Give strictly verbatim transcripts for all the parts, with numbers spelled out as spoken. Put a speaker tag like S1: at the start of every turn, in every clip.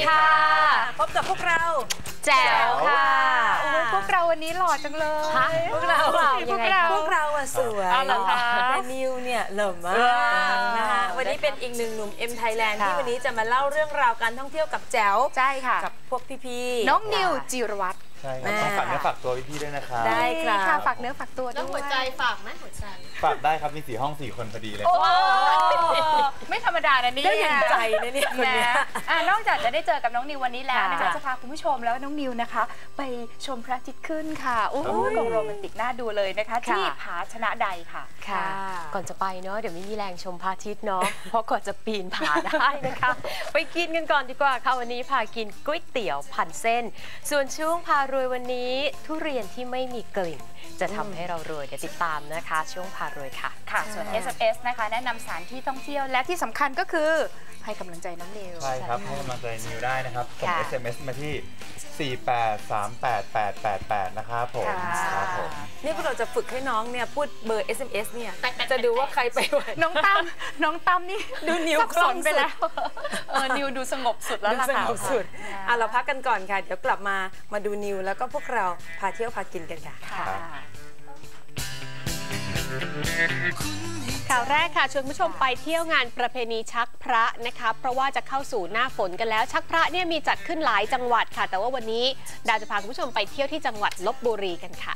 S1: ค่ะ
S2: พบกับพวกเรา
S1: แจ๋วค่ะ
S3: พวกเราวันนี้หล่อจังเลย
S2: พวกเรา
S1: พวกเรา
S2: พวกเราอะสวยแต่นิวเนี่ยเหล่อมากนะคะวันนี้เป็นอีกหนึ่งหนุ่ม M Thailand ที่วันนี้จะมาเล่าเรื่องราวการท่องเที่ยวกับแจ๋ว
S3: ใช่ค่ะ
S2: กับพวกพี่ๆ
S3: น้องนิวจิรวัตร
S4: ใช่ครับต้องฝากเนื้อฝากตัวพี่ๆด้วยนะครับ
S2: ได้ค่ะ
S3: ฝากเนื้อฝากตัวด้วย
S1: แล้วหัวใจฝากไหมหัวใจ
S4: ฝากได้ครับมีสี่ห้องสี่คนพอดีเลย
S3: ไม่ธรรมดานะนี่
S2: ได้อย่างใจนะเนี่ยคนนี้
S3: นอกจากจะได้เจอกับน้องนิววันนี้แล้วนะคะจะพาคุณผู้ชมแล้วน้องนิวนะคะไปชมพระอาทิตย์ขึ้นค่ะโอ้โหโรแมนติกน่าดูเลยนะคะที่ผาชนะใดค่ะ
S1: ค่ะก่อนจะไปเนาะเดี๋ยวไม่มีแรงชมพระอาทิตย์เนาะเพราะก่อนจะปีนผาได้นะคะไปกินกันก่อนดีกว่าค่ะวันนี้พากินก๋วยเตี๋ยวพันเส้นส่วนช่วงพารวยวันนี้ทุเรียนที่ไม่มีกลิ่นจะทำให้เรารวยเดี๋ยวติดตามนะคะช่วงพารวยค่ะ
S3: ค่ะส่วน เอส เอ็ม เอส นะคะแนะนำสถานที่ท่องเที่ยวและที่สำคัญก็คือให้กำลังใจน้องนิว
S4: ใช่ครับให้กำลังใจนิวได้นะครับส่ง เอส เอ็ม เอส มาที่สี่แปดสามแปดแปดแปดแปดนะครับผมครับผม
S2: นี่พวกเราจะฝึกให้น้องเนี่ยพูดเบอร์ เอส เอ็ม เอส เนี่ยจะดูว่าใครไป
S3: น้องตั้มน้องตั้มนี่
S2: ดูนิว
S3: สนไปแล้วเออนิวดูสงบสุดแล้วล่ะค่ะ
S2: สงบสุดอ่ะเราพักกันก่อนค่ะเดี๋ยวกลับมามาดูนิวแล้วก็พวกเราพาเที่ยวพากินกันค่ะ
S1: ข่าวแรกค่ะชวนผู้ชมไปเที่ยวงานประเพณีชักพระนะคะเพราะว่าจะเข้าสู่หน้าฝนกันแล้วชักพระเนี่ยมีจัดขึ้นหลายจังหวัดค่ะแต่ว่าวันนี้ดาวจะพาคุณผู้ชมไปเที่ยวที่จังหวัดลพบุรีกันค่ะ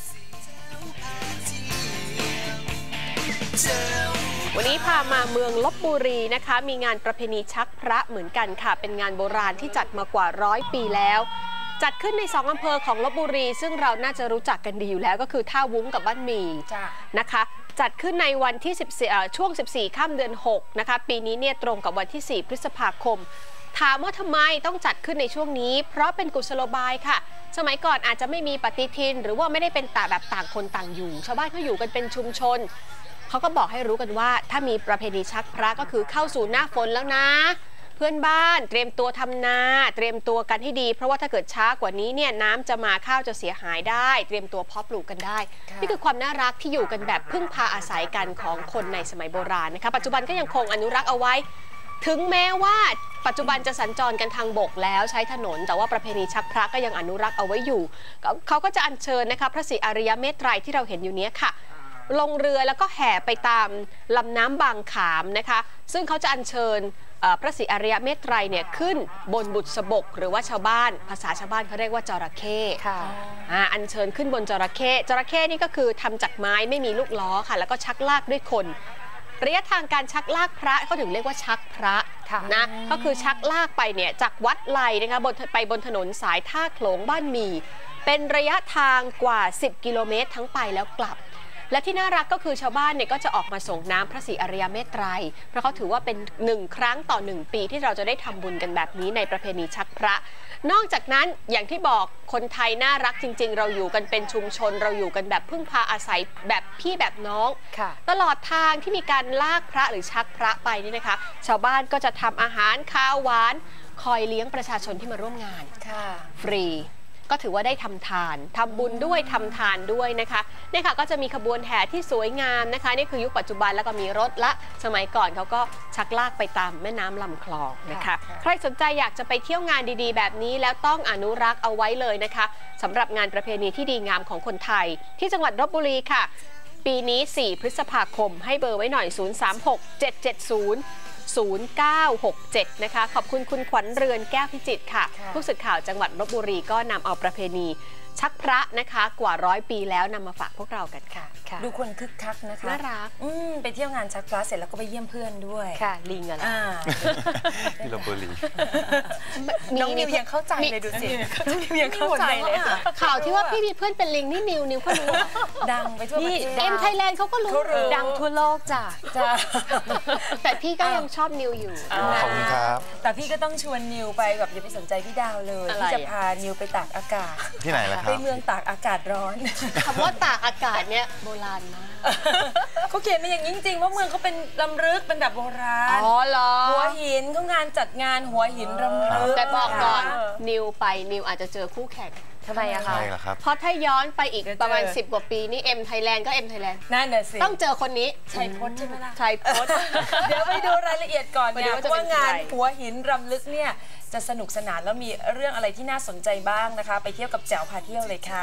S1: วันนี้พามาเมืองลพบุรีนะคะมีงานประเพณีชักพระเหมือนกันค่ะเป็นงานโบราณที่จัดมากว่าร้อยปีแล้วจัดขึ้นในสองอำเภอของลพบุรีซึ่งเราน่าจะรู้จักกันดีอยู่แล้วก็คือท่าวุ้งกับบ้านหมี่นะคะจัดขึ้นในวันที่สิบสี่ช่วงสิบสี่ค่ำเดือนหกนะคะปีนี้เนี่ยตรงกับวันที่สี่พฤษภาคมถามว่าทำไมต้องจัดขึ้นในช่วงนี้เพราะเป็นกุศโลบายค่ะสมัยก่อนอาจจะไม่มีปฏิทินหรือว่าไม่ได้เป็นต่างแบบต่างคนต่างอยู่ชาวบ้านเขาอยู่กันเป็นชุมชนเขาก็บอกให้รู้กันว่าถ้ามีประเพณีชักพระก็คือเข้าสู่หน้าฝนแล้วนะเพื่อนบ้านเตรียมตัวทำนาเตรียมตัวกันให้ดีเพราะว่าถ้าเกิดช้ากว่านี้เนี่ยน้ำจะมาข้าวจะเสียหายได้เตรียมตัวเพาะปลูกกันได้นี่คือความน่ารักที่อยู่กันแบบพึ่งพาอาศัยกันของคนในสมัยโบราณนะคะปัจจุบันก็ยังคงอนุรักษ์เอาไว้ถึงแม้ว่าปัจจุบันจะสัญจรกันทางบกแล้วใช้ถนนแต่ว่าประเพณีชักพระก็ยังอนุรักษ์เอาไว้อยู่เขาก็จะอัญเชิญนะคะพระศรีอริยเมตไตรที่เราเห็นอยู่นี้ค่ะลงเรือแล้วก็แห่ไปตามลำน้ำบางขามนะคะซึ่งเขาจะอัญเชิญพระศรีอริยเมตไตรเนี่ยขึ้นบนบุษบกหรือว่าชาวบ้านภาษาชาวบ้านเขาเรียกว่าจระเข้อ่าอัญเชิญขึ้นบนจระเข้จระเข้นี่ก็คือทำจากไม้ไม่มีลูกล้อค่ะแล้วก็ชักลากด้วยคนระยะทางการชักลากพระเขาถึงเรียกว่าชักพระนะก็คือชักลากไปเนี่ยจากวัดไลนะคะบนไปบนถนนสายท่าโขลงบ้านหมี่เป็นระยะทางกว่าสิบกิโลเมตรทั้งไปแล้วกลับและที่น่ารักก็คือชาวบ้านเนี่ยก็จะออกมาส่งน้ำพระศรีอริยเมตไตรเพราะเขาถือว่าเป็นหนึ่งครั้งต่อหนึ่งปีที่เราจะได้ทำบุญกันแบบนี้ในประเพณีชักพระนอกจากนั้นอย่างที่บอกคนไทยน่ารักจริงๆเราอยู่กันเป็นชุมชนเราอยู่กันแบบพึ่งพาอาศัยแบบพี่แบบน้องตลอดทางที่มีการลากพระหรือชักพระไปนี่นะคะชาวบ้านก็จะทำอาหารข้าวหวานคอยเลี้ยงประชาชนที่มาร่วมงานฟรีก็ถือว่าได้ทำทานทำบุญด้วยทำทานด้วยนะคะนี่ค่ะก็จะมีขบวนแห่ที่สวยงามนะคะนี่คือยุคปัจจุบันแล้วก็มีรถละสมัยก่อนเขาก็ชักลากไปตามแม่น้ำลำคลองนะคะใครสนใจอยากจะไปเที่ยวงานดีๆแบบนี้แล้วต้องอนุรักษ์เอาไว้เลยนะคะสำหรับงานประเพณีที่ดีงามของคนไทยที่จังหวัดลพบุรีค่ะปีนี้สี่พฤษภาคมให้เบอร์ไว้หน่อยศูนย์ สาม หก เจ็ด เจ็ด ศูนย์ ศูนย์ เก้า หก เจ็ดนะคะขอบคุณคุณขวัญเรือนแก้วพิจิตรค่ะผู้สื่อข่าวจังหวัดลพบุรีก็นำเอาประเพณีชักพระนะคะกว่าร้อยปีแล้วนำมาฝากพวกเรากันค่ะ
S2: ดูคนคึกคักนะคะ
S1: น่ารัก
S2: ไปเที่ยวงานชักพระเสร็จแล้วก็ไปเยี่ยมเพื่อนด้วย
S1: ค่ะลิงอะไร
S4: ที่ลพบุรี
S2: น้องนิวยังเข้าใจเลยดูสิน้องนิวยังเข้าใจเลย
S1: ข่าวที่ว่าพี่มีเพื่อนเป็นลิงนี่นิวนิวก็รู้
S2: ดังไปทั่วประเทศ
S1: เอ็มไทยแลนด์เขาก็รู้
S2: ดังทั่วโลกจ้ะ
S1: แต่พี่ก็ยังชอบนิวอยู่
S4: ขอบคุณครับ
S2: แต่พี่ก็ต้องชวนนิวไปแบบอย่าไปสนใจพี่ดาวเลยพี่จะพานิวไปตากอากาศ
S4: ที่ไหนล่ะครับ
S2: ไปเมืองตากอากาศร้อน
S1: คำว่าตากอากาศเนี่ยโบราณมาก
S2: เขาเขียนมาอย่างจริงๆว่าเมืองเขาเป็นลำลึกเป็นแบบโบราณ
S1: อ๋อเหรอ
S2: หัวหินเขางานจัดงานหัวหินลำลึก
S1: แต่บอกก่อนนิวไปนิวอาจจะเจอคู่แข่ง
S2: ทำไมอะคะ
S4: ใช่แล้วครับ
S1: เพราะถ้าย้อนไปอีก
S2: เดี๋ยว
S1: ประมาณ
S2: เจอ
S1: สิบ กว่าปีนี่เอ็มไทยแลนด์ก็เอ็มไทยแลนด์
S2: นั่นน่ะสิ
S1: ต้องเจอคนนี้
S2: ชัยพจน์ใช่ไหมล่ะ
S1: ชัยพจน์
S2: เดี๋ยวไปดูรายละเอียดก่อน
S1: ไป
S2: เนี่
S1: ดู
S2: ย
S1: ว่า
S2: เพ
S1: จะ
S2: ราะ
S1: เป็
S2: ว่าน งาน
S1: ใคร
S2: หัวหินรำลึกเนี่ยจะสนุกสนานแล้วมีเรื่องอะไรที่น่าสนใจบ้างนะคะ ไปเที่ยวกับแจ๋วพาเที่ยวเลยค่ะ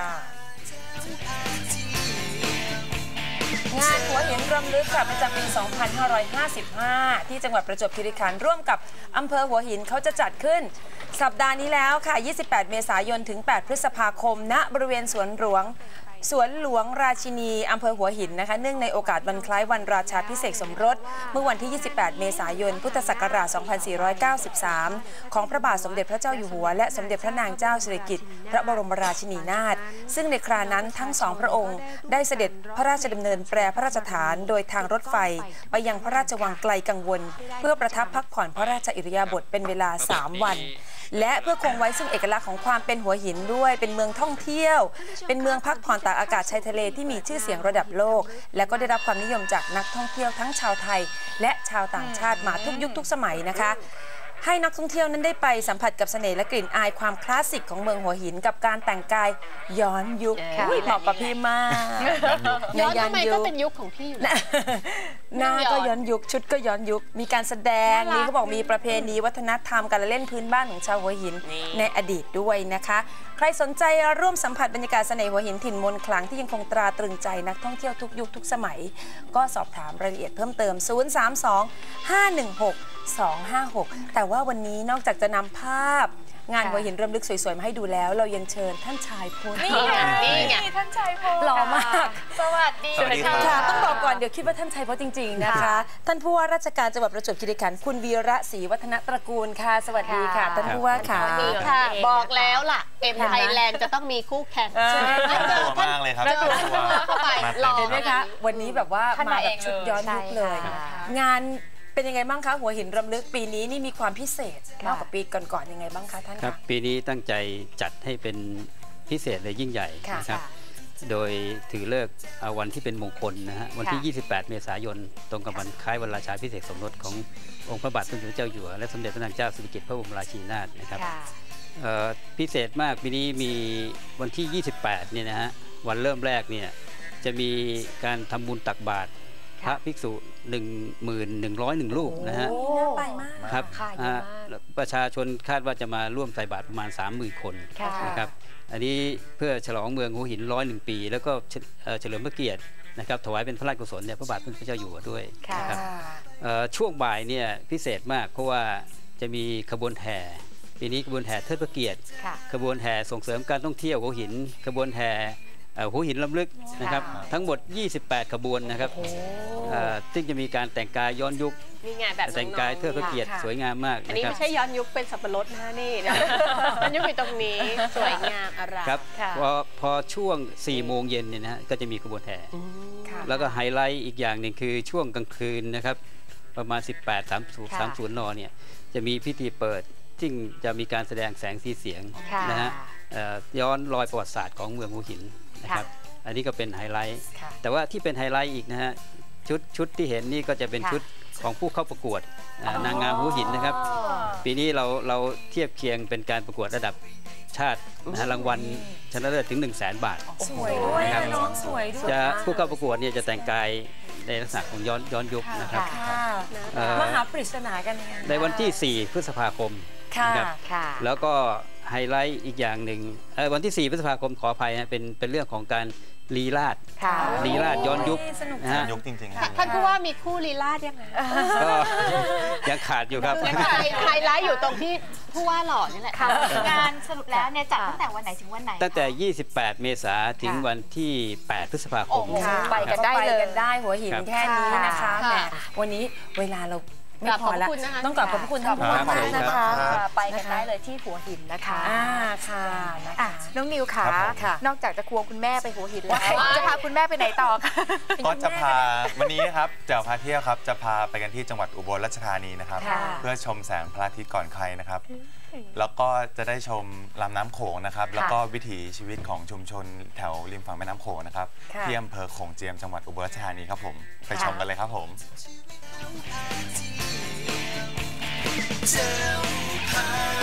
S2: งานหัวหินรำลึกค่ะประจำปี สองพันห้าร้อยห้าสิบห้า ที่จังหวัดประจวบคีรีขันธ์ร่วมกับอำเภอหัวหินเขาจะจัดขึ้น สัปดาห์นี้แล้วค่ะ ยี่สิบแปด เมษายน ถึง แปด พฤษภาคม ณ บริเวณสวนหลวง สวนหลวงราชินีอำเภอหัวหินนะคะ เนื่องในโอกาสวันคล้ายวันราชาภิเษกสมรส เมื่อวันที่ ยี่สิบแปด เมษายน พุทธศักราช สองพันสี่ร้อยเก้าสิบสาม ของพระบาทสมเด็จพระเจ้าอยู่หัวและสมเด็จพระนางเจ้าสิริกิติ์พระบรมราชินีนาถ ซึ่งในครานั้นทั้งสองพระองค์ได้เสด็จพระราชดำเนินแปรพระราชฐานโดยทางรถไฟไปยังพระราชวังไกลกังวล เพื่อประทับพักผ่อนพระราชอิริยาบถเป็นเวลา สาม วัน และเพื่อคงไว้ซึ่งเอกลักษณ์ของความเป็นหัวหินด้วยเป็นเมืองท่องเที่ยว เป็นเมืองพักผ่อนตากอากาศชายทะเลที่มีชื่อเสียงระดับโลก และก็ได้รับความนิยมจากนักท่องเที่ยวทั้งชาวไทย และชาวต่างชาติมาทุกยุคทุกสมัยนะคะ ให้นักท่องเที่ยวนั้นได้ไปสัมผัสกับเสน่ห์และกลิ่นอายความคลาสสิกของเมืองหัวหินกับการแต่งกายย้อนยุค
S3: ค่ะ
S2: อุ๊ยเหมาะกับพี่มาก
S1: ย้อนทำไมก็เป็นยุคของพี่อยู่แล้ว
S2: หน้าก็ย้อนยุคชุดก็ย้อนยุคมีการแสดง
S1: น่ารัก
S2: นี่เขาบอกมีประเพณีวัฒนธรรมการละเล่นพื้นบ้านของชาวหัวหิน
S1: นี่
S2: ในอดีตด้วยนะคะ ใครสนใจร่วมสัมผัสบรรยากาศเสน่ห์หัวหินถิ่นมนต์ขลังที่ยังคงตราตรึงใจนักท่องเที่ยวทุกยุคทุกสมัย ก็สอบถามรายละเอียดเพิ่มเติม ศูนย์ สาม สอง ห้า หนึ่ง หก สอง ห้า หก แต่ว่าวันนี้นอกจากจะนำภาพงานหัวหินรำลึกสวยๆมาให้ดูแล้ว เรายังเชิญท่านชายพล
S3: นี่ไง
S1: นี่ไง
S3: ท่านชายพล
S2: หล่อมาก
S3: สวัสดี
S4: สวัสดีครับ
S2: ค่ะต้องบอกก่อนเดี๋ยวคิดว่าท่านชัยพจน์จริงๆนะคะ ท่านผู้ว่าราชการจังหวัดประจวบคีรีขันธ์คุณวีระศรีวัฒนตระกูลค่ะ สวัสดีค่ะ ท่านผู้ว่าค่ะ
S1: นี่ค่ะ บอกแล้วล่ะเอ็มไทยแลนด์จะต้องมีคู่แข่ง
S2: ใช่
S1: งั้นเจอ
S4: ตัว
S1: ท่าน
S4: มากเลยครับ
S1: เจอท่านผู้ว่าเข้าไป
S4: มาเต็ม
S1: รอ
S2: เห็นไหมคะ วันนี้แบบว่า
S3: ท่าน
S2: มา
S3: มา
S2: แบ
S3: เอบ ง
S2: ชุดย้อนยุคเลย
S3: ใช่ค่ะ
S2: งานเป็นยังไงบ้างคะหัวหินรำลึกปีนี้นี่มีความพิเศษมากกว่าปีก่อนๆยังไงบ้างคะท่าน
S5: ครับ
S2: คะ
S5: ปีนี้ตั้งใจจัดให้เป็นพิเศษเลยยิ่งใหญ่
S2: ค่ะ
S5: นะครับ โดยถือเลิกษ์เอาวันที่เป็นมงคลนะฮะวันที่
S3: ค่ะ
S5: ยี่สิบแปด เมษายน ตรงกับวันคล้ายวันราชาภิเษกสมรสขององค์พระบาทสมเด็จพระเจ้าอยู่หัวและสมเด็จพระนางเจ้าสิริกิติ์พระบรมราชินีนาถนะครับ
S3: ค่ะ
S5: เอ่อพิเศษมากปีนี้มีวันที่ ยี่สิบแปด เนี่ยนะฮะวันเริ่มแรกเนี่ยจะมีการทำบุญตักบาตรพระภิกษุ หนึ่งหมื่นหนึ่งร้อยเอ็ด รูปนะฮะ
S2: โอ้น่าไปมาก
S5: ครับ
S3: ค่ะเยอะมาก
S5: อ่าประชาชนคาดว่าจะมาร่วมใส่บาตรประมาณ สามหมื่น คน
S3: ค่ะ
S5: นะครับอันนี้เพื่อฉลองเมืองหัวหินร้อยหนึ่งปี แล้วก็เฉเอ่อเฉลิมพระเกียรตินะครับถวายเป็นพระราชกุศลแด่พระบาทสมเด็จพระเจ้าอยู่หัวด้วย
S3: ค่ะ
S5: นะครับเอ่อช่วงบ่ายเนี่ยพิเศษมากเพราะว่าจะมีขบวนแห่ปีนี้ขบวนแห่เทิดพระเกียรติ
S3: ค่ะ
S5: ขบวนแห่ส่งเสริมการท่องเที่ยวหัวหินขบวนแห่เอ่อหัวหินลำลึกนะครับ
S3: ค่ะ
S5: ทั้งหมด ยี่สิบแปด ขบวนนะครับเอ่อซึ่งจะมีการแต่งกายย้อนยุค
S1: นี่ไงแบบ
S5: แต่งกายเทิดพระเกียรติ
S2: ค่ะ
S5: สวยงามมาก
S1: อัน
S5: นะ
S1: นี้
S5: ครับ
S1: ไม่ใช่ย้อนยุคเป็นสับปะรดนะฮะนี่นะย้อนยุคอยู่ตรงนี้สวยงามอร่าม
S5: ครับ
S3: ค่ะ
S5: พอพอช่วงสี่โมงเย็นเนี่ยนะฮะก็จะมีขบวนแห่
S2: ค่ะ
S5: แล้วก็ไฮไลท์อีกอย่างหนึ่งคือช่วงกลางคืนนะครับประมาณ สิบแปด สามสิบ
S3: ค่ะ
S5: สามสิบ นเนี่ยจะมีพิธีเปิดซึ่งจะมีการแสดงแสงสีเสียง
S3: ค่ะ
S5: นะฮะเอ่อย้อนรอยประวัติศาสตร์ของเมืองหัวหินนะครับอันนี้ก็เป็นไฮไลท์
S2: ค่ะ
S5: แต่ว่าที่เป็นไฮไลท์อีกนะฮะชุดชุดที่เห็นนี่ก็จะเป็น
S3: ค่ะ
S5: ชุดของผู้เข้าประกวดอ่านางงามหัวหินนะครับ ปีนี้เราเราเทียบเคียงเป็นการประกวดระดับชาตินะฮะรางวัลชนะเลิศถึง หนึ่งแสน บาท
S2: สวยด้วย
S5: นะครับ
S2: น้องสวยด้วย
S5: จะผู้เข้าประกวดเนี่ยจะแต่งกายในลักษณะของย้อนย้อนยุคนะครับ
S2: ค่ะ
S5: เอ่อ
S2: มหาปริศนากันยังไง
S5: ในวันที่ สี่ พฤษภาคม
S2: ค่ะ
S5: นะครับ
S3: ค่ะ
S5: แล้วก็ไฮไลท์อีกอย่างหนึ่งเอ่อวันที่ สี่ พฤษภาคมขออภัยนะเป็นเป็นเรื่องของการลีลาด
S3: ค่ะ
S5: ลีลาดย้อนยุค
S2: สนุก
S5: นะฮะ
S4: ยุคจริงๆ
S1: ท่านท่านผู้ว่ามีคู่ลีลาดยังไง
S5: ก็ยังขาดอยู่ครับ
S1: ยังไฮไฮไลท์อยู่ตรงที่ผู้ว่าหล่อนี่แหละ
S3: ค่ะงานสรุปแล้วเนี่ยจัดตั้งแต่วันไหนถึงวันไหน
S5: ตั้งแต่ ยี่สิบแปด เมษายนถึง
S3: ค่ะ
S5: วันที่ แปด พฤษภาคม
S3: โอ้โห
S2: ค่ะ
S3: ไปกันได้เลย
S2: ไปกันได้หัวหิน
S5: ครับ
S2: แค่นี้นะคะ
S1: ค่ะ
S2: แหมวันนี้เวลาเราไม่
S1: กราบ
S2: พอแล้ว
S1: ขอบคุณนะคะ
S2: ต้องกลับขอบพระคุณท่านผู้ว่า
S5: ครับ
S2: มากนะคะ
S4: ครับ
S3: ค่ะไปกันได้เลยที่หัวหินนะคะ
S2: อ่าค่ะนะ
S3: อ่ะ
S2: คะ
S3: น้องนิวขา
S4: ครับผม
S2: ค่ะ
S3: นอกจากจะควงคุณแม่ไปหัวหินแล้ว
S1: ว้าย
S3: จะพาคุณแม่ไปไหนต่อคะ
S4: ก็จะพาวันนี้นะครับแจ๋วพาเที่ยวครับจะพาไปกันที่จังหวัดอุบลราชธานีนะครับ
S3: ค่ะ
S4: เพื่อชมแสงพระอาทิตย์ก่อนใครนะครับ แล้วก็จะได้ชมลำน้ำโขงนะครับ แล้วก็วิถีชีวิตของชุมชนแถวริมฝั่งแม่น้ำโขงนะครับ
S2: ค่ะ
S4: ที่อำเภอโขงเจียมจังหวัดอุบลราชธานีครับผมไปชมกันเลยครับผม
S6: เจ้าพา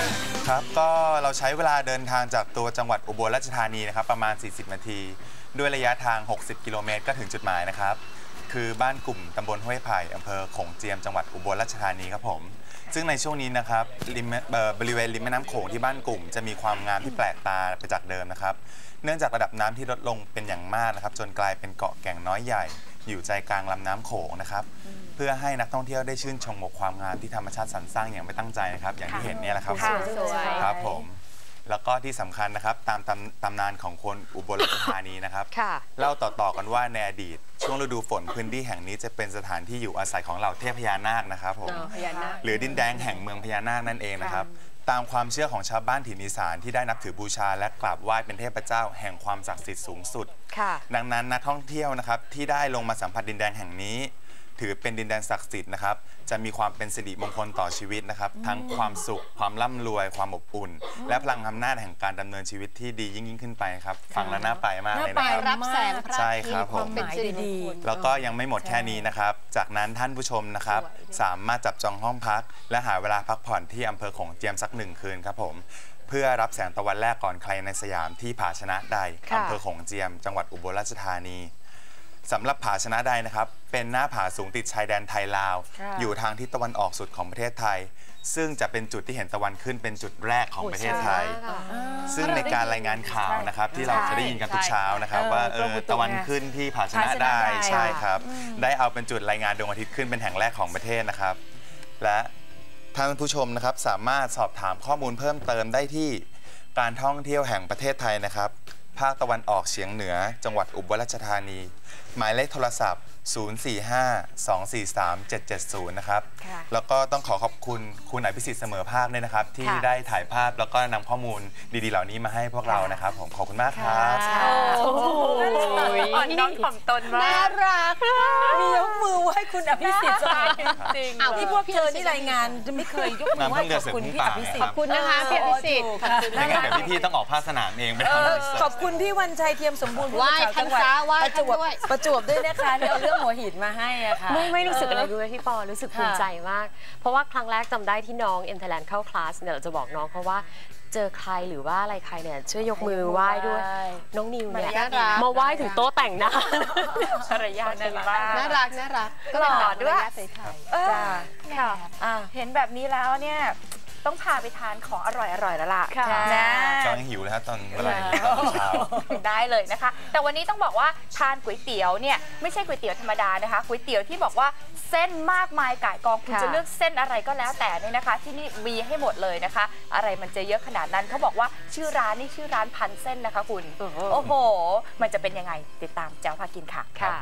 S4: ครับก็เราใช้เวลาเดินทางจากตัวจังหวัดอุบลราชธานีนะครับประมาณสี่สิบนาทีด้วยระยะทางหกสิบกิโลเมตรก็ถึงจุดหมายนะครับคือบ้านกลุ่มตำบลห้วยไผ่อำเภอโขงเจียมจังหวัดอุบลราชธานีครับผมซึ่งในช่วงนี้นะครับริมบริเวณริมแม่น้ำโขงที่บ้านกลุ่มจะมีความงามที่แปลกตาไปจากเดิมนะครับเนื่องจากระดับน้ำที่ลดลงเป็นอย่างมากนะครับจนกลายเป็นเกาะแก่งน้อยใหญ่อยู่ใจกลางลำน้ำโขงนะครับเพื่อให้นักท่องเที่ยวได้ชื่นชมความงามที่ธรรมชาติสรรสร้างอย่างไม่ตั้งใจนะครับอย่างที่เห็นเนี่ยแหละครับครับผมแล้วก็ที่สำคัญนะครับตามตำตำนานของคนอุบลราชธานีนะครับเล่าต่อๆกันว่าในอดีตช่วงฤดูฝนพื้นที่แห่งนี้จะเป็นสถานที่อยู่อาศัยของเหล่าเทพพญานาคนะครับผมหรือดินแดนแห่งเมืองพญานาคนั่นเองนะครับตามความเชื่อของชาวบ้านถิ่นอีสานที่ได้นับถือบูชาและกราบไหว้เป็นเทพเจ้าแห่งความศักดิ์สิทธิ์สูงสุดดังนั้นนักท่องเที่ยวนะครับที่ได้ลงมาสัมผัสดินแดนแห่งนี้ถือเป็นดินแดนศักดิ์สิทธิ์นะครับจะมีความเป็นสิริมงคลต่อชีวิตนะครับทั้งความสุขความร่ำรวยความอบอุ่นและพลังอำนาจแห่งการดำเนินชีวิตที่ดียิ่งยิ่งขึ้นไปครับฟังแล้วน่าไปมากเลยนะครับ
S1: รับแสงพระอาทิตย์
S4: ใช่ครับผม
S1: เป็นสิริมงคล
S4: แล้วก็ยังไม่หมดแค่นี้นะครับจากนั้นท่านผู้ชมนะครับสามารถจับจองห้องพักและหาเวลาพักผ่อนที่อำเภอโขงเจียมสักหนึ่งคืนครับผมเพื่อรับแสงตะวันแรกก่อนใครในสยามที่ผาชนะใดอำเภอโขงเจียมจังหวัดอุบลราชธานีสำหรับผาชนะใดนะครับเป็นหน้าผาสูงติดชายแดนไทยลาวอยู่ทางทิศตะวันออกสุดของประเทศไทยซึ่งจะเป็นจุดที่เห็นตะวันขึ้นเป็นจุดแรกของประเทศไทยซึ่งในการรายงานข่าวนะครับที่เราจะได้ยินกันทุกเช้านะครับว่าเออตะวันขึ้นที่ผาชนะใดใช่ครับได้เอาเป็นจุดรายงานดวงอาทิตย์ขึ้นเป็นแห่งแรกของประเทศนะครับและท่านผู้ชมนะครับสามารถสอบถามข้อมูลเพิ่มเติมได้ที่การท่องเที่ยวแห่งประเทศไทยนะครับภาคตะวันออกเฉียงเหนือจังหวัดอุบลราชธานีหมายเลขโทรศัพท์ ศูนย์ สี่ ห้า สอง สี่ สาม เจ็ด เจ็ด ศูนย์ นะครับแล้วก็ต้องขอขอบคุณคุณอภิสิทธิ์เสมอภาคด้วยนะครับที่ได้ถ่ายภาพแล้วก็นำข้อมูลดีๆเหล่านี้มาให้พวกเรานะครับผมขอบคุณมากครับ
S3: โอ้โหน้องถ่อมตนมาก
S1: น่ารัก
S2: มียกมือไหว้คุณอภิสิทธิ์จริงๆที่พวกเธอที่รายงานจะไม่เคยยกมือไหว้ขอบคุณพี่อภิสิทธิ์
S1: ขอบคุณนะคะพี่อภิสิทธิ์
S4: ไม่งั้นเดี๋ยวพี่ๆต้องออกภาคสนามเองไปทำ
S2: ขอบคุณพี่วันชัยเทียมสมบูรณ์
S1: ไหว้ท่านซะไหว้ท่านด้วย
S2: ประจวบด้วยนะคะที่เอาเรื่องหัวหินมาให้อะค่ะ
S6: ไม่ไม่รู้สึกอะไรด้วยพี่ปอรู้สึกภูมิใจมากเพราะว่าครั้งแรกจำได้ที่น้องเอ็มไทยแลนด์เข้าคลาสเนี่ยเราจะบอกน้องเพราะว่าเจอใครหรือว่าอะไรใครเนี่ยช่วยยกมือไหว้ด้วยน้องนิวเนี่ยมาไหว้ถึงโต๊ะแต่งหน้า
S3: ภรรยาดีมาก
S1: น่ารักน่ารัก
S3: ก็หล่อด้วยค่ะเห็นแบบนี้แล้วเนี่ยต้องพาไปทานของอร่อยๆแล้วล่ะ
S4: นะกำลังหิวเลยครับตอนเวลาเช้า
S3: ได้เลยนะคะแต่วันนี้ต้องบอกว่าทานก๋วยเตี๋ยวเนี่ยไม่ใช่ก๋วยเตี๋ยวธรรมดานะคะก๋วยเตี๋ยวที่บอกว่าเส้นมากมายก่ายกองคุณจะเลือกเส้นอะไรก็แล้วแต่เนี่ยนะคะที่นี่มีให้หมดเลยนะคะอะไรมันจะเยอะขนาดนั้นเขาบอกว่าชื่อร้านนี่ชื่อร้านพันเส้นนะคะคุณโอ้โหมันจะเป็นยังไงติดตามแจ๋วพากินค่ะค่ะ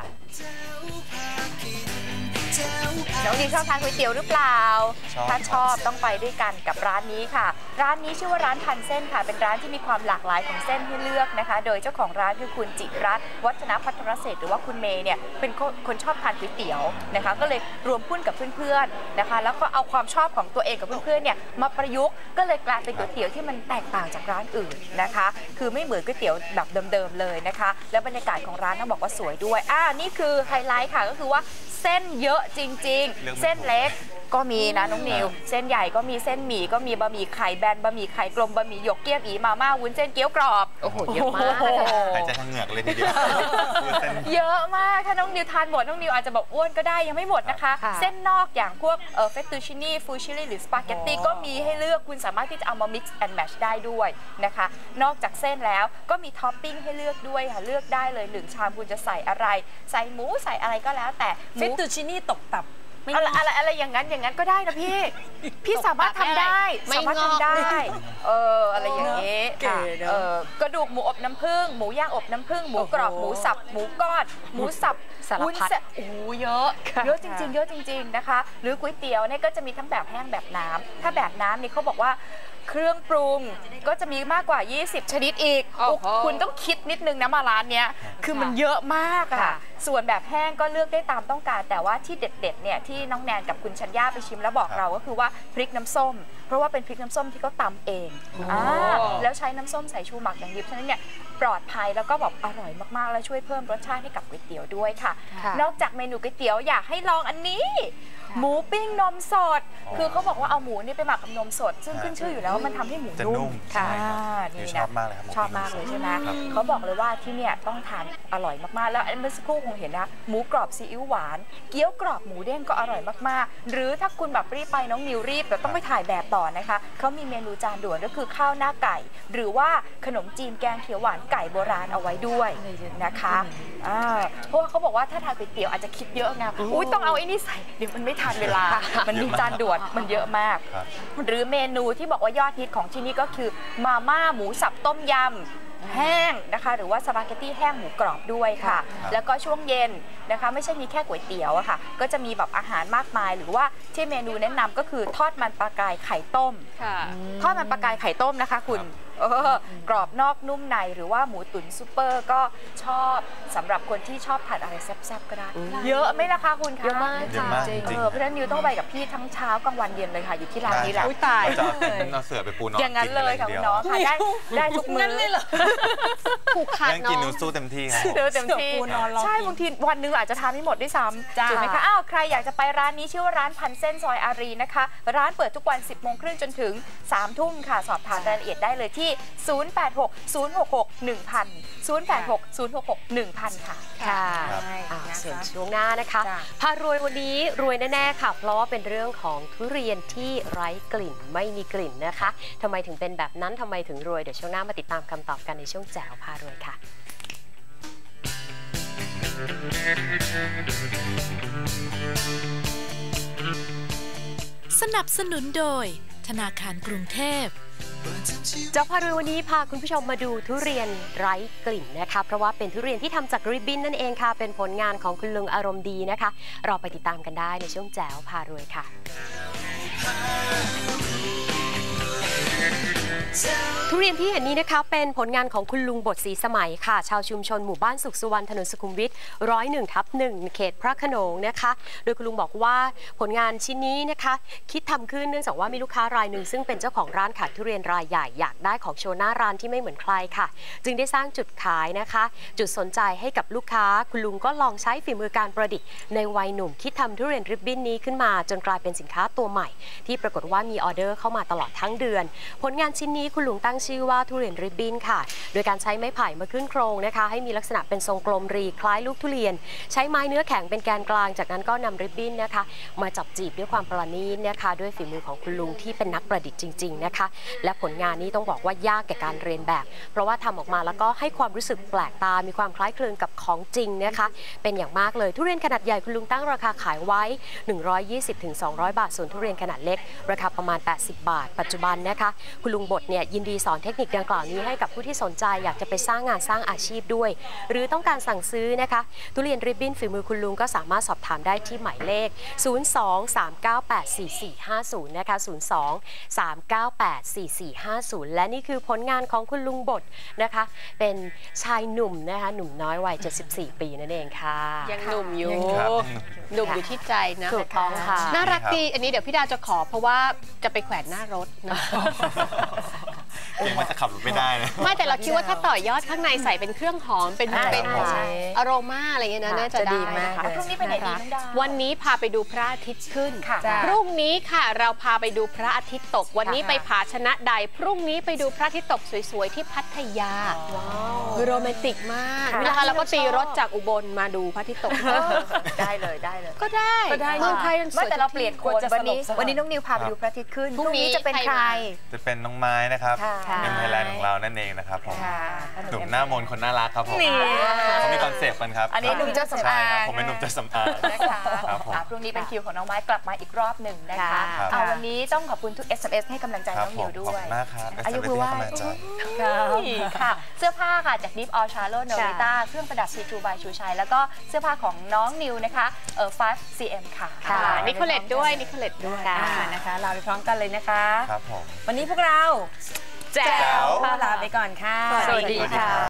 S3: น้องดีชอบทานก๋วยเตี๋ยวหรือเปล่าถ้าชอบต้องไปด้วยกันกับร้านนี้ค่ะร้านนี้ชื่อว่าร้านพันเส้นค่ะเป็นร้านที่มีความหลากหลายของเส้นให้เลือกนะคะโดยเจ้าของร้านคือคุณจิรัตน์วัฒนพัทรเศรษฐ์หรือว่าคุณเมย์เนี่ยเป็นคนชอบทานก๋วยเตี๋ยวนะคะก็เลยรวมหุ้นกับเพื่อนๆนะคะแล้วก็เอาความชอบของตัวเองกับเพื่อนๆเนี่ยมาประยุกต์ก็เลยกลายเป็นก๋วยเตี๋ยวที่มันแตกต่างจากร้านอื่นนะคะคือไม่เหมือนก๋วยเตี๋ยวแบบเดิมๆเลยนะคะแล้วบรรยากาศของร้านต้องบอกว่าสวยด้วยอ่านี่คือไฮไลท์ค่ะก็คือว่าเส้นเยอะจริงๆเส้นเล็กก็มีนะน้องนิวเส้นใหญ่ก็มีเส้นหมี่ก็มีบะหมี่ไข่แบนบะหมี่ไข่กลมบะหมี่หยกเกี๊ยวอีมาม่าวุ้นเส้นเกี๊ยวกรอบ
S1: โอ้โหเยอะมาก
S4: หายใจทางเหงือกเลยทีเดียว
S3: เยอะมากถ้าน้องนิวทานหมดน้องนิวอาจจะบอกอ้วนก็ได้ยังไม่หมดนะคะเส้นนอกอย่างพวกเออเฟตตูชินี่ฟูชิลี่หรือสปาเกตตี้ก็มีให้เลือกคุณสามารถที่จะเอามา mix and match ได้ด้วยนะคะนอกจากเส้นแล้วก็มีท็อปปิ้งให้เลือกด้วยค่ะเลือกได้เลยหนึ่งชามคุณจะใส่อะไรใส่หมูใส่อะไรก็แล้วแต่
S2: เฟตตูชินี่ตกตับ
S3: อะไรอะไรอะไรอย่างนั้นอย่างนั้นก็ได้นะพี่พี่สามารถทำได้สามารถทำได้เอออะไรอย่างนี้เออกระดูกหมูอบน้ำผึ้งหมูย่างอบน้ำผึ้งหมูกรอบหมูสับหมูก้อนหมูสับ
S6: วุ้นเส้น
S3: โอ้โหเยอะเยอะจริงๆเยอะจริงๆนะคะหรือก๋วยเตี๋ยวเนี่ยก็จะมีทั้งแบบแห้งแบบน้ำถ้าแบบน้ำนี่เขาบอกว่าเครื่องปรุงก็จะมีมากกว่ายี่สิบชนิดอีกคุณต้องคิดนิดนึงนะมาร้านเนี้ยคือมันเยอะมากค่ะส่วนแบบแห้งก็เลือกได้ตามต้องการแต่ว่าที่เด็ดๆเนี่ยที่น้องแนนกับคุณชัญญาไปชิมแล้วบอกเราก็คือว่าพริกน้ำส้มเพราะว่าเป็นพริกน้ำส้มที่เขาตำเองอ่าแล้วใช้น้ำส้มสายชูหมักอย่างดิบฉะนั้นเนี่ยปลอดภัยแล้วก็แบบอร่อยมากๆและช่วยเพิ่มรสชาติให้กับก๋วยเตี๋ยวด้วยค่ะนอกจากเมนูก๋วยเตี๋ยวอยากให้ลองอันนี้หมูปิ้งนมสดคือเขาบอกว่าเอาหมูนี่ไปหมักกับนมสดซึ่งขึ้นชื่ออยู่แล้วว่ามันทำให้หมู
S4: จะ
S3: นุ่
S4: นุ่
S3: ม
S4: มใช่ครับ
S3: นี่
S4: ช
S3: นะ
S4: อบมากเลยครับ
S3: ชอบมากเลยใช่ไหมเขาบอกเลยว่าที่เนี่ยต้องทานอร่อยมากๆแล้วเมื่อสักครู่คงเห็นนะหมูกรอบซีอิ๊วหวานเกี๊ยวกรอบหมูเด้งก็อร่อยมากๆหรือถ้าคุณแบบรีบไปน้องนิวรีบแต่ต้องไปถ่ายแบบต่อนะคะเขามีเมนูจานด่วนก็คือข้าวหน้าไก่หรือว่าขนมจีนแกงเขียวหวานไก่โบราณเอาไว้ด้วยนะคะเพราะว่าเขาบอกว่าถ้าทานก๋วยเตี๋ยวอาจจะคิดเยอะไงอุ้ยต้องเอาไอ้นี่ใส่เดี๋ยวมันไม่ทันเวลามันมีจานด่วนมันเยอะมากหรือเมนูที่บอกว่ายอดฮิตของที่นี่ก็คือมาม่าหมูสับต้มยำแห้งนะคะหรือว่าสปาเกตตี้แห้งหมูกรอบด้วยค่ะแล้วก็ช่วงเย็นนะคะไม่ใช่มีแค่ก๋วยเตี๋ยวอะค่ะก็จะมีแบบอาหารมากมายหรือว่าที่เมนูแนะนำก็คือทอดมันปลากายไข่ต้มทอดมันปลากายไข่ต้มนะคะคุณเออกรอบนอกนุ่มในหรือว่าหมูตุ๋นซูเปอร์ก็ชอบสำหรับคนที่ชอบทานอะไรแซ่บๆก็ได้เยอะไหมล่ะคะคุณคะ
S6: เยอะมากค่ะจริง
S3: เออเพราะฉะนั้นนิวต้องไปกับพี่ทั้งเช้ากลางวันเย็นเลยค่ะอยู่ที่ร้านนี้แหละ
S4: อุ้ยตายจะเอาเสือไปปูนอน
S3: อย่างนั้นเลยค่ะคุณน้องค่ะได้ได้ทุกมื้อเลยเหรอ
S6: ผูกขาด
S4: เรื่องกินนูสู้เต็มที่ครับ
S3: เจอเต็มที่ใช่บางทีวันนึงอาจจะทานไม่หมดด้วยซ้ำถูกไหมคะอ้าวใครอยากจะไปร้านนี้ชื่อว่าร้านพันเส้นซอยอารีนะคะร้านเปิดทุกวัน สิบโมงครึ่งจนถึงสามทุ่มค่ะสอบถามรายละเอียดได้เลยที่ศูนย์ แปด หก ศูนย์ หก หก หนึ่ง พัน ศูนย์ แปด หก ศูนย์ หก หก หนึ่ง พันค่ะ
S6: ค่ะส่วนช่วงหน้านะคะพารวยวันนี้รวยแน่ๆค่ะเพราะว่าเป็นเรื่องของทุเรียนที่ไร้กลิ่นไม่มีกลิ่นนะคะทำไมถึงเป็นแบบนั้นทำไมถึงรวยเดี๋ยวช่วงหน้ามาติดตามคำตอบกันในช่วงแจ๋วพารวยค่ะ
S7: สนับสนุนโดยธนาคารกรุงเทพ
S6: เจ้าพารวยวันนี้พาคุณผู้ชมมาดูทุเรียนไร้กลิ่นนะคะเพราะว่าเป็นทุเรียนที่ทำจากริบบิ้นนั่นเองค่ะเป็นผลงานของคุณลุงอารมณ์ดีนะคะเราไปติดตามกันได้ในช่วงแจ๋วพารวยค่ะทุเรียนที่เห็นนี้นะคะเป็นผลงานของคุณลุงบดศรีสมัยค่ะชาวชุมชนหมู่บ้านสุขสุวรรณถนนสุขุมวิทร้อยหนึ่งทับหนึ่งเขตพระโขนงนะคะโดยคุณลุงบอกว่าผลงานชิ้นนี้นะคะคิดทำขึ้นเนื่องจากว่ามีลูกค้ารายหนึ่งซึ่งเป็นเจ้าของร้านขายทุเรียนรายใหญ่อยากได้ของโชว์หน้าร้านที่ไม่เหมือนใครค่ะจึงได้สร้างจุดขายนะคะจุดสนใจให้กับลูกค้าคุณลุงก็ลองใช้ฝีมือการประดิษฐ์ในวัยหนุ่มคิดทำทุเรียนริบบิ้นนี้ขึ้นมาจนกลายเป็นสินค้าตัวใหม่ที่ปรากฏว่ามีออเดอร์เข้ามาตลอดทั้งเดือนผลงานชิ้นนี้คุณลุงตั้งชื่อว่าทุเรียนริบบิ้นค่ะโดยการใช้ไม้ไผ่มาขึ้นโครงนะคะให้มีลักษณะเป็นทรงกลมรีคล้ายลูกทุเรียนใช้ไม้เนื้อแข็งเป็นแกนกลางจากนั้นก็นำริบบิ้นนะคะมาจับจีบด้วยความประณีตนะคะด้วยฝีมือของคุณลุงที่เป็นนักประดิษฐ์จริงๆนะคะและผลงานนี้ต้องบอกว่ายากแก่การเรียนแบบเพราะว่าทำออกมาแล้วก็ให้ความรู้สึกแปลกตามีความคล้ายคลึงกับของจริงนะคะเป็นอย่างมากเลยทุเรียนขนาดใหญ่คุณลุงตั้งราคาขายไว้หนึ่งร้อยยี่สิบถึงสองร้อยบาทส่วนทุเรียนขนาดเล็กราคาประมาณแปดสิบบาทปัจจุบันนะคะคุณลุงบดเนี่ยยินดีสอนเทคนิคดังกล่าวนี้ให้กับผู้ที่สนใจอยากจะไปสร้างงานสร้างอาชีพด้วยหรือต้องการสั่งซื้อนะคะทุเรียนริบบิ้นฝีมือคุณลุงก็สามารถสอบถามได้ที่หมายเลขศูนย์ สอง สาม เก้า แปด สี่ สี่ ห้า ศูนย์นะคะศูนย์ สอง สาม เก้า แปด สี่ สี่ ห้า ศูนย์และนี่คือผลงานของคุณลุงบดนะคะเป็นชายหนุ่มนะคะหนุ่มน้อยวัยเจ็ดสิบสี่ปีนั่นเองค่ะ
S1: ยังหนุ่มอยู่หนุ่มอยู่ที่ใจนะ
S6: ถูกต้องค่ะ
S1: น่ารักดีอันนี้เดี๋ยวพี่ดาวจะขอเพราะว่าจะไปแขวนหน้ารถนะ
S4: เองมันจะขับรถไม่ได้นะ
S1: ไม่แต่เราคิดว่าถ้าต่อยอดข้างในใส่เป็นเครื่องหอมเป็นเป็นอโรมาอะไรเงี้ยนะน่าจะดีมาก
S3: พรุ่งนี้ไปไหนดีน้องดาว
S1: วันนี้พาไปดูพระอาทิตย์ขึ้นพรุ่งนี้ค่ะเราพาไปดูพระอาทิตย์ตกวันนี้ไปผาชนะใดพรุ่งนี้ไปดูพระอาทิตย์ตกสวยๆที่พัทยาโรแมนติกมากนะคะเราก็ตีรถจากอุบลมาดูพระอาทิตย์ตก
S3: ได้เลยได้เลย
S1: ก็ได้เมืองไทย
S3: ไม่แต่เราเปลี่ยนคนวันนี้วันนี้น้องนิวพาไปดูพระอาทิตย์ขึ้นพรุ่งนี้จะเป็นใคร
S4: จะเป็นน้องไม้นะครับเอ็มไทยแลนด์ของเรานั่นเองนะครับผมหนุ่มหน้ามนคนน่ารักครับผมเขามีคอนเซ็ปต์กันครับ
S3: อันนี้หนุ่มเจ้าสำอาง
S4: ผมเป็นหนุ่มเจ้าสำอาง
S3: นะคะพรุ่งนี้เป็นคิวของน้องไม้กลับมาอีกรอบหนึ่งนะคะเอาวันนี้ต้องขอบคุณทุก เอส เอ็ม เอส ให้กำลังใจน้องนิวด้วย
S4: มากครับอายุคือว่า
S3: ค่ะเสื้อผ้าค่ะจากดิฟออชาโลโนริต้าเครื่องประดับซีทูบายชูชัยแล้วก็เสื้อผ้าของน้องนิวนะคะเอ่อ ไฟว์ ซี เอ็ม ค่ะ
S1: นิโคเลตด้วยนิโคเลตด้วย
S2: นะคะลาไปพร้อมกันเลยนะคะ
S4: ครับผม
S2: วันนี้พวกเรา
S1: แจ๋ว
S2: ลาไปก่อนค่ะ
S6: สวัสดีค่ะ